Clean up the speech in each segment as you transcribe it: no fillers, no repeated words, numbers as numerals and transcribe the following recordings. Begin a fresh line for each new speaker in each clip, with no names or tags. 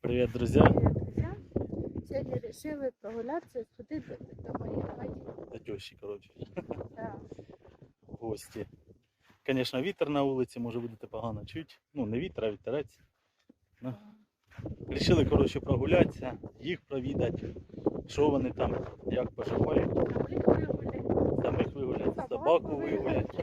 Привіт, друзі!
Привет, друзья! Сьогодні вирішили прогулятися і сходити до моєї батьки.
До тещі, коротше,
Да.
в гості. Звісно, вітер на вулиці, може будете погано чути. Ну, не вітер, а вітерець. Ну. Рішили, коротше, прогулятися, їх провідати, що вони там, як поживають. Самих вигуляти, собаку вигуляти.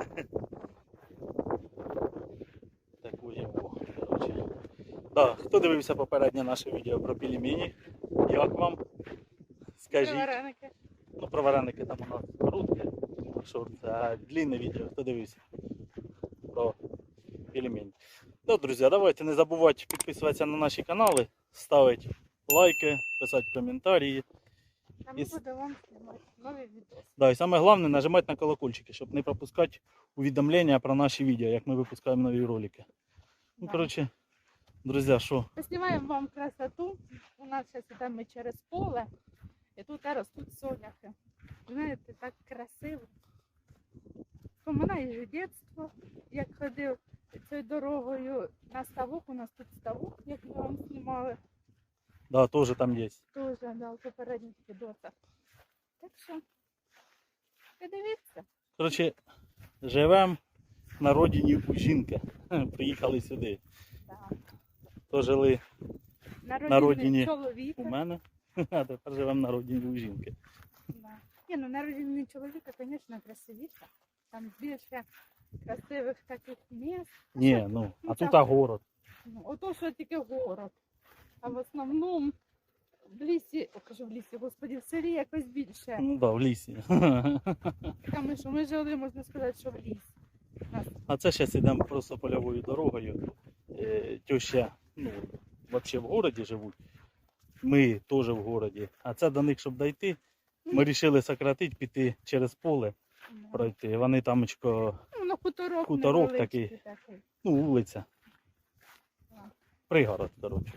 Таку його, коротше. Да, хто дивився попереднє наше відео про пельмені? Як вам? Скажіть.
Вареники.
Ну, про вареники там у нас коротке, а длинне відео, хто дивився про пельмені. Ну, друзі, давайте не забувайте підписуватися на наші канали, ставити лайки, писати коментарі.
А ми будемо вам знімати нові відео.
Да, і саме головне нажимати на колокольчики, щоб не пропускати увідомлення про наші відео, як ми випускаємо нові ролики. Ну,
Да.
коротше, друзі, що?
Поснімаємо вам красоту. У нас зараз йдемо через поле, і тут ростуть соняхи. Знаєте, так красиво. Поминаю дитинство, як ходив цією дорогою на ставок. У нас тут ставок, як ми вам знімали.
Да, теж там є.
Тоже, да, в попередніх відосах. Так що, подивіться.
Коротше, живемо на родині у жінки. Приїхали сюди.
Да.
То жили
На
родині
чоловіка.
у мене, а тепер живемо на родині у жінки.
Да. Ні, ну на родині чоловіка, звісно, красивіше. Там більше красивих таких місць.
Ні, ну, а
так.
тут город.
Ну, ото, що тільки город. А в основному в лісі, кажу в лісі, господи, в селі якось більше.
Ну так, в лісі.
Така ми, що ми жили, можна сказати, що в лісі.
А це зараз йдемо просто польовою дорогою. Теща, ну, взагалі в городі живуть. Ми теж в городі. А це до них, щоб дійти, ми вирішили сократити, піти через поле, пройти. Вони тамочко,
Ну, на хуторок
такий.
такий.
ну, вулиця. Пригород, коротше.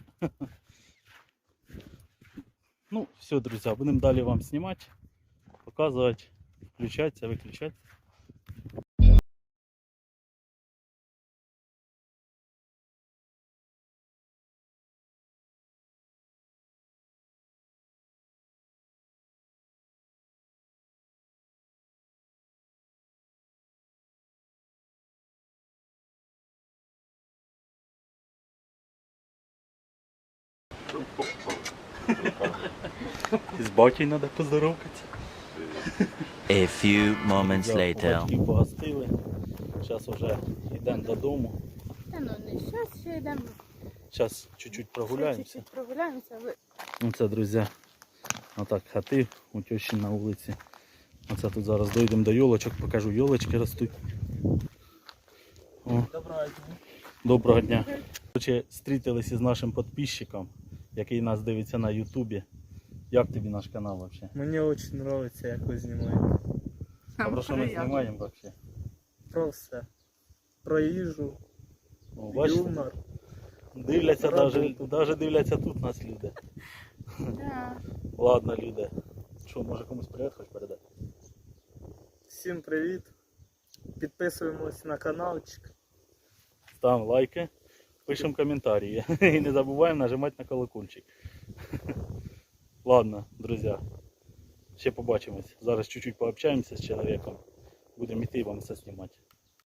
Ну, все, друзі, будемо далі вам знімати, показувати, включатися, виключати. З батьком треба поздоровкатися.
A few moments later.
Батьків погостили. Зараз вже йдемо додому.
Та ну не щас, ще йдемо.
Зараз чуть-чуть прогуляємося.
Чуть-чуть прогуляємося.
Оце, друзі, отак хати у тещі на вулиці. Оце тут зараз дійдемо до йолочок, покажу, йолочки ростуть. О. Доброго дня. Короче, зустрілися з нашим підписчиком, який нас дивиться на ютубі. Як тобі наш канал взагалі?
Мне очень нравится, як ви знімаєте.
А про що ми знімаємо взагалі?
Просто про їжу,
О, бачите?
юмор.
Дивляться, навіть дивляться тут нас люди.
Да.
Ладно, люди. Що, може комусь привіт хоч передати?
Всім привіт. Підписуємось на каналчик.
Ставимо лайки, пишемо коментарі. І не забуваємо нажимати на колокольчик. Ладно, друзі. Ще побачимось. Зараз чуть-чуть пообщаємося з чоловіком. Будемо йти і вам все знімати.